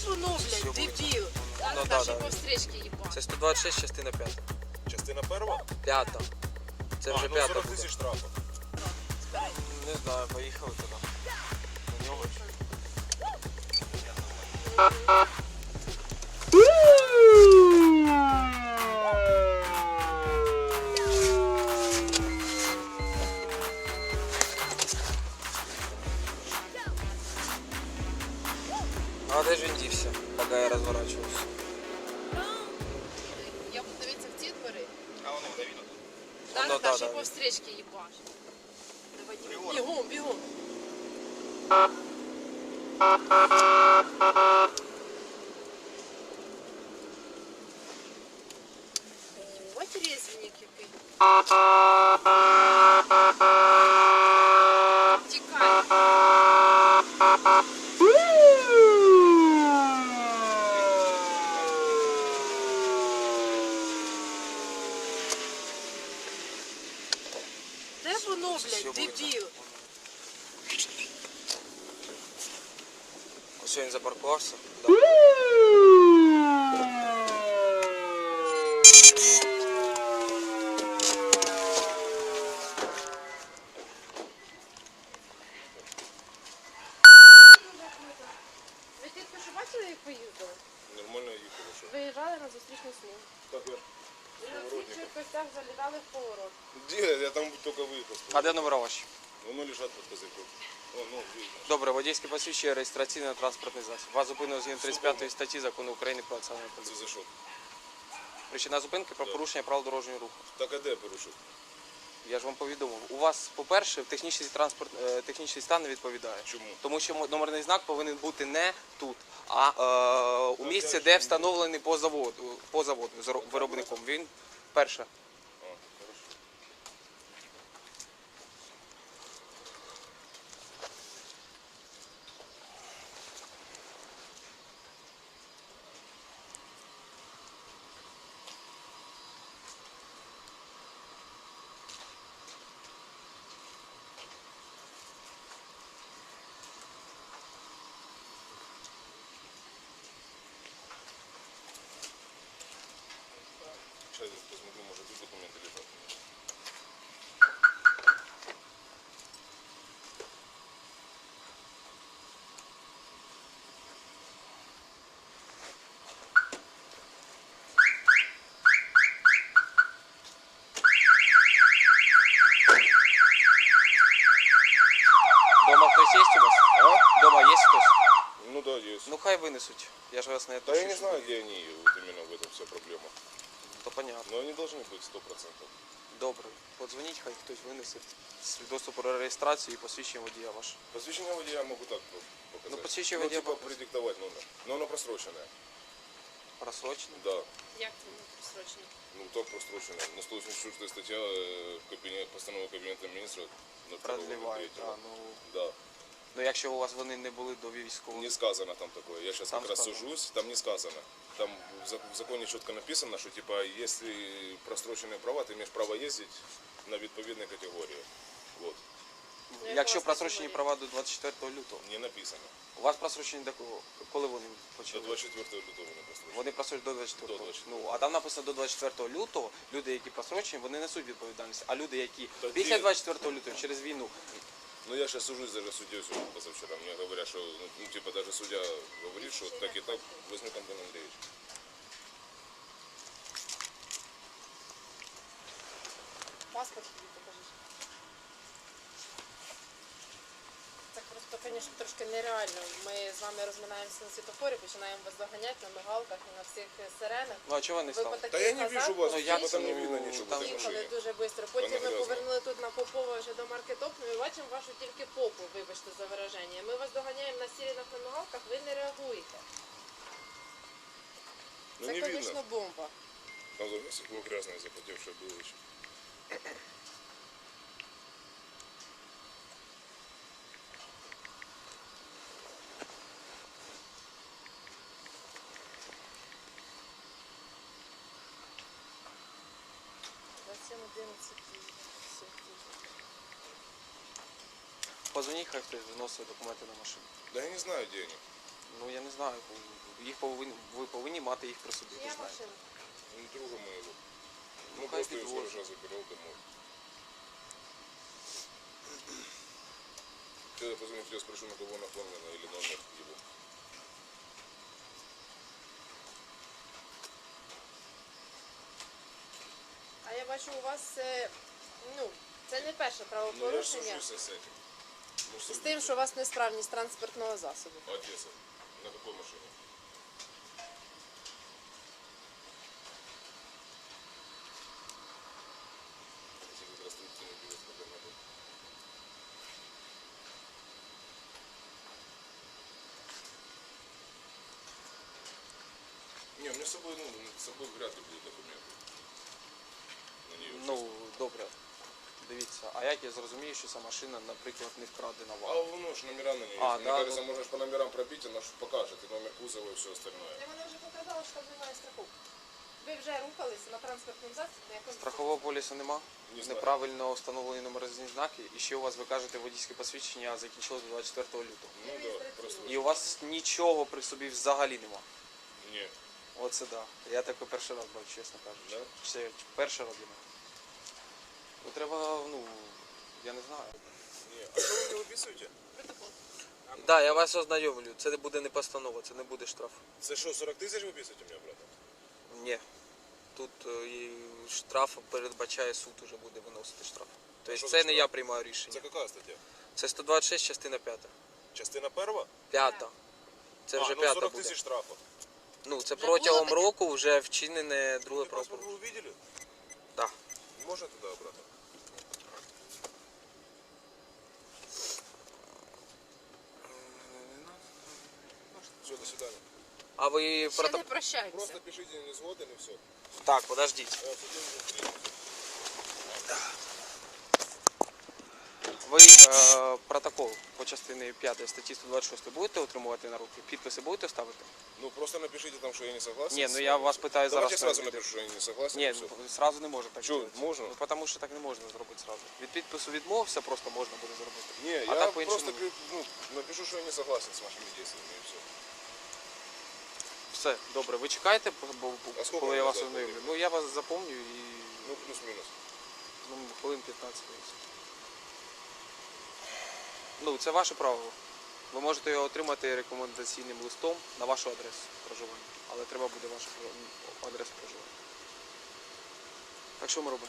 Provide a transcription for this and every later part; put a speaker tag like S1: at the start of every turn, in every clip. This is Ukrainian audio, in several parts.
S1: воно, блядь, дебіл?
S2: Ну,
S1: Даже
S2: да.
S1: по встречке їбать.
S2: Це 126, частина 5.
S3: Частина перша?
S2: П'ята. Це вже
S3: ну
S2: п'ята
S3: 40
S2: буде.
S3: тисяч штрафу.
S2: Не знаю, поїхали туди. На нього. А де ж він дівся, поки я розворачувався?
S1: Я буду дивитися в ці двори.
S3: А воно буде видно.
S1: Да,
S2: Ну,
S1: даже
S2: да.
S1: по встречке їбаш. Давай, бігом, бігом. Ебать резвенник який. Тікай. Де воно, блядь, дебіл?
S2: Ось він запаркувався. Да.
S1: Ви тільки що бачили, як поїздили?
S3: Нормально їхали, що?
S1: Виїжджали на зустрічну смугу.
S3: Так я.
S1: І на всіх швидкостях залітали в поворот.
S3: Где? Я там только выехал.
S2: А де номера ваші?
S3: Воно лежать под козырьком. О, ну, видно.
S2: Добре, водійське посвідчення, реєстраційно-транспортний засіб. Вас зупинено згідно 35 статті Закону України про національну
S3: Це
S2: поліцію.
S3: за що?
S2: Причина зупинки про порушення правил дорожнього руху.
S3: Так а де я порушив?
S2: Я ж вам повідомив. У вас, по-перше, технічний стан не відповідає.
S3: Чому?
S2: Тому що номерний знак повинен бути не тут, а у місці, де встановлений по заводу з виробником. Він перше.
S3: А, хорошо. Сейчас я посмотрю, может тут документы лежат.
S2: Дома хтось є у вас?
S3: А?
S2: Дома є хтось?
S3: Ну да, есть.
S2: Ну хай винесуть. Я ж вас не
S3: Да я
S2: відпущу.
S3: не знаю, где они, вот именно в этом вся проблема.
S2: То понятно.
S3: Но они должны быть 100%.
S2: Добре. Подзвоніть, хай хтось винесе свідоцтво про реєстрацію і посвідчення водія ваше.
S3: Посвящение водія я могу так показать.
S2: Ну, посвящение водія
S3: типа
S2: показать.
S3: предиктовать номер. Но оно просроченное.
S2: Просрочено?
S3: Да.
S1: Як це не просрочено?
S3: Ну так просроченное. На 184 статья постанова Кабинета министров. на
S2: Продлівають.
S3: 2.03.
S2: А, ну,
S3: Да.
S2: ну якщо у вас вони не були до військового.
S3: Не сказано там такое. Я сейчас
S2: Там
S3: как раз
S2: сказано.
S3: сужусь, там не сказано. Там в законе четко написано, что типа если просроченные права, ты имеешь право ездить на відповідній категорії. Вот.
S1: Ну, як
S2: Якщо
S1: у вас
S2: просрочені
S1: категорія?
S2: права до 24 лютого.
S3: Не написано.
S2: У вас просрочені до кого? Коли вони
S3: До
S2: почали?
S3: 24 лютого не просрочено.
S2: Вони просрочені до 24.
S3: До 24.
S2: Ну, а там написано до 24 лютого, люди, які просрочені, вони несуть відповідальність. А люди, які
S3: Тоді-
S2: після 24 лютого через війну,
S3: Ну я сейчас сужусь даже с судьей сегодня позавчера. Мне говорят, что ну, типа даже судья говорит, что так и так возьмет Антон Андреевич.
S1: Паспорт тобі покажи. Це просто, звісно, трошки нереально. Ми з вами розминаємося на світофорі, починаємо вас доганяти на мигалках і на всіх сиренах.
S2: ну а чого вони
S1: Ви по
S2: стали?
S3: Да
S1: таких
S3: я не вижу вас,
S2: Ну,
S3: ну,
S2: як
S3: там
S2: це?
S3: не видно ничего
S2: Там
S3: в этой
S1: їхали
S3: машине.
S1: дуже швидко. Потім ми
S3: грязно.
S1: повернули тут на Попова вже до маркетопну і бачимо вашу тільки попу, вибачте за вираження. Ми вас доганяємо на сиренах на мигалках, ви не реагуєте.
S3: Ну
S1: Це,
S3: не
S1: звісно,
S3: видно.
S1: бомба.
S3: Там за стекло грязное, запотевшее было еще.
S2: Позвоніть, хай хтось вносить документи на машину.
S3: Да я не знаю, где они.
S2: Ну я не знаю. Ви повинні мати їх при собі. ви
S1: Я
S2: знаєте.
S1: машина.
S3: Ну, друга моего.
S2: Ну,
S3: Ну,
S2: хай
S3: просто я с
S2: підвозить.
S3: гаража забирал домой. Когда позвоню, я спрошу, на кого оформлено или номер его.
S1: А я бачу, у вас це не перше
S3: Ну, я
S1: правопорушення
S3: сужусь с этим. Ну,
S1: з тим, що у вас несправність транспортного засобу.
S3: Одесса. На какой машине? Если как раз трубки не берет, когда надо. Не, у меня с собой, с собой вряд ли будут документы. На нее.
S2: Ну, добре. Дивіться, а як я зрозумію, що ця машина, наприклад, не вкрадена
S3: А
S2: вами?
S3: воно ж номера на нее.
S2: А,
S3: Мне
S2: да,
S3: кажется,
S2: ну.
S3: можно ж по номерам пробить, она ж покажет и номер кузова и все остальное.
S1: Я мене вже показала, що там немає страховки. Ви вже рухалися на транспортному засобі, на якому
S2: Страхового полісу нема?
S3: Не знаю.
S2: Неправильно встановлені номерні знаки. І ще у вас, ви кажете, водійське посвідчення закінчилось 24 лютого.
S3: Ну да, просто.
S2: І у вас нічого при собі взагалі нема.
S3: Не.
S2: Оце да. Я таке перший раз бачу, чесно кажучи.
S3: Да?
S2: Це перший раз для мене. Ну треба, я не знаю.
S3: Не. А что вы мне выписываете?
S1: протокол.
S2: Так, да, я вас ознайомлю. Це буде не постанова, це не буде штраф.
S3: Это что, 40 тысяч выписываете мне, брат?
S2: Ні. Тут і штраф передбачає суд уже буде виносити штраф. Тобто
S3: що
S2: це
S3: за
S2: не
S3: штраф?
S2: я приймаю рішення.
S3: Это какая статья?
S2: Це 126, частина 5.
S3: Частина перша?
S2: П'ята. Це вже п'ята
S3: 40
S2: буде.
S3: тисяч штрафу.
S2: Ну, це
S1: Вже
S2: протягом
S1: було таке?
S2: року вже вчинене друге
S3: Вы паспорт
S2: правопорушення.
S3: вы увидели?
S2: Так.
S3: Можно туда обратно? Все, до свидания.
S2: А ви
S1: Ще не прощайтеся.
S3: Просто пишите не сгоден и все.
S2: Так, подождіть. Ви протокол по частині 5 статті 126 будете отримувати на руки? Підписи будете ставити?
S3: Ну просто напишите там, что я не согласен.
S2: Ні,
S3: с
S2: ну я
S3: вами.
S2: вас питаю
S3: Давайте
S2: зараз.
S3: сразу напишу, что я не согласен.
S2: Ні,
S3: и всё.
S2: зразу не можна так
S3: Чого,
S2: зробити.
S3: можна?
S2: Ну, тому що так не можна зробити зразу. Від підпису відмовився, просто можна буде зробити.
S3: Не,
S2: А
S3: я
S2: так по-іншому.
S3: просто напишу, что я не согласен с вашими действиями и все.
S2: Все, добре, ви чекаєте,
S3: А скільки
S2: коли я
S3: ви
S2: вас
S3: запомнили?
S2: ознайомлю? Ну я вас запомню і
S3: Ну плюс-минус.
S2: хвилин 15 десь. Ну, це ваше право. Ви можете його отримати рекомендаційним листом на вашу адресу проживання. Але треба буде ваша адреса проживання. Так що ми робимо?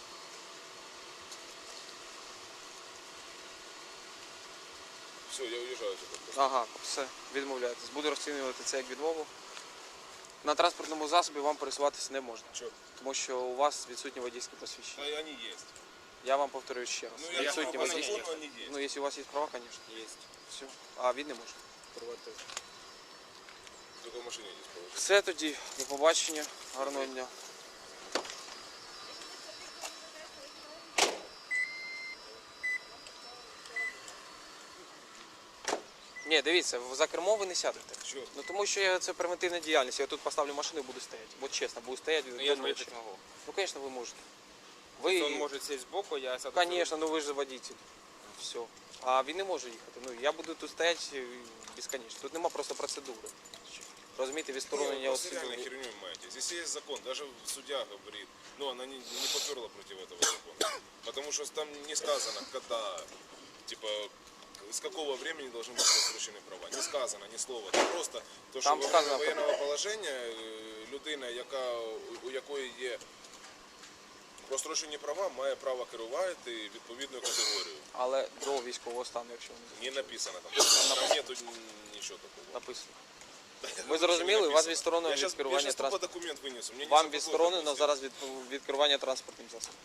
S3: Все, я уезжаю теперь.
S2: Ага, все, відмовляєтесь. Буду розцінювати це як відмову. На транспортному засобі вам пересуватися не можна,
S3: Че?
S2: тому що у вас відсутні водійські посвідчення.
S3: Да, они есть.
S2: Я вам повторюю ще раз.
S3: Ну, я
S2: Відсутні
S3: по
S2: водійські.
S3: закону они есть.
S2: Ну, якщо у вас є права, звісно. Є. Все. А він не може керувати.
S3: Только в машине здесь положить.
S2: Все тоді, до побачення, гарного дня. Ні, дивіться, за кермо ви не сядете.
S3: Чё?
S2: Ну тому що це превентивна діяльність. Я тут поставлю машину і буду стояти. От чесно, буду стояти до
S4: Я
S2: ночі.
S4: не могу.
S2: Ну, звісно, ви можете.
S4: Он
S2: Ви,
S4: может сесть сбоку, я сяду.
S2: звісно, ну ви ж водитель. Все. А він не може їхати. Ну, я буду тут стояти безконечно. Тут нема просто процедури. Розумієте, відсторонення
S3: Не,
S2: від
S3: вы просто реально
S2: суду.
S3: херню маете. Здесь есть закон, даже судья говорит, но она не поперла против этого закона. Потому что там не сказано, когда, типа, с какого времени должны быть просрочены права. Не сказано ни слова. Це просто то, що
S2: Там
S3: во
S2: сказано
S3: время воєнного положення людина, у якої є просрочені права, має право керувати відповідною категорією.
S2: Але до військового стану, якщо не
S3: Не написано там. Там нету нічого такого.
S2: написано. Ви зрозуміли, вас відсторонено
S3: Я
S2: від
S3: сейчас
S2: керування
S3: тупо
S2: транспортом.
S3: документ вынесу. Мне не
S2: Вам
S3: западло,
S2: відсторонено
S3: допустим.
S2: зараз від керування транспортним засобом.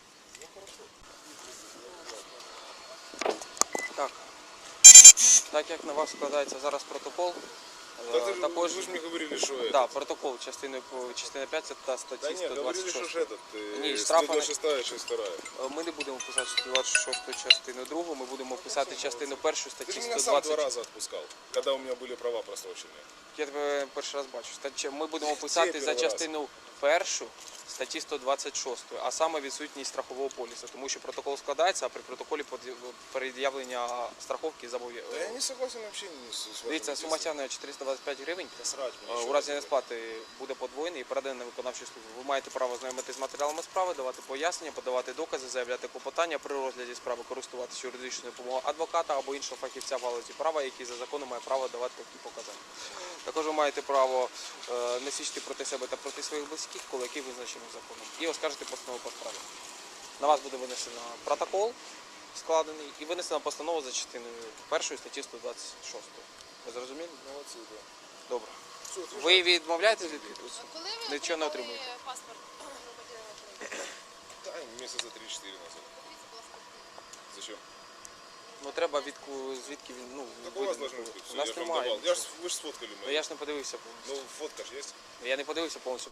S2: Так. Так як на вас складається зараз протокол,
S3: Да ты же,
S2: також
S3: вы же мне говорили, что это.
S2: да, протокол частина 5 це та
S3: Да
S2: статті
S3: нет, говорили, что
S2: 126.
S3: ж этот,
S2: Не, штрафы-
S3: 126, 62.
S2: Ми не будемо писати 126 частину 2, ми будемо писати частину 1
S3: Ты
S2: статті
S3: же меня сам 2
S2: 120.
S3: раза отпускал, когда у меня были права просроченные.
S2: Я тебе перший раз бачу. Ми будемо писати за
S3: перший раз.
S2: частину 1 статті 126, а саме відсутність страхового полісу, тому що протокол складається, а при протоколі пред'явлення страховки
S3: Да я
S2: зобов'язує.
S3: не согласен вообще с вашим
S2: Дивіться, сума
S3: действием.
S2: стягнення 425 гривень.
S3: Срать мне,
S2: У
S3: еще
S2: разі
S3: раз
S2: несплати буде подвоєний і переданий на виконавчу службу. Ви маєте право знайомитися з матеріалами справи, давати пояснення, подавати докази, заявляти клопотання при розгляді справи, користуватися юридичною допомогою адвоката або іншого фахівця в галузі права, який за законом має право давати такі показання. Також ви маєте право не свідчити проти себе та проти своїх близьких, коли які визначені законом, і оскаржити постанову по справі. На вас буде винесено протокол складений і винесена постанова за частиною 1 статті 126. Ви зрозуміли?
S3: Молодцы, да.
S2: Добре.
S3: Всё, отвечу.
S2: Ви відмовляєтесь від підпису?
S1: Коли ви
S2: Нічого не
S1: отримали
S2: отримуєте.
S1: паспорт громадянина України?
S3: Да, месяца 3-4 назад.
S1: Подивіться, будь ласка,
S3: Зачем?
S2: Ну треба звідки він, ну,
S3: Так у вас
S2: видно.
S3: должно быть.
S2: У нас
S3: Я же вам
S2: немає.
S3: давал. Вы же сфоткали
S2: Ну
S3: мои.
S2: я ж не подивився повністю.
S3: Ну, фотка же есть.
S2: Я не подивився повністю.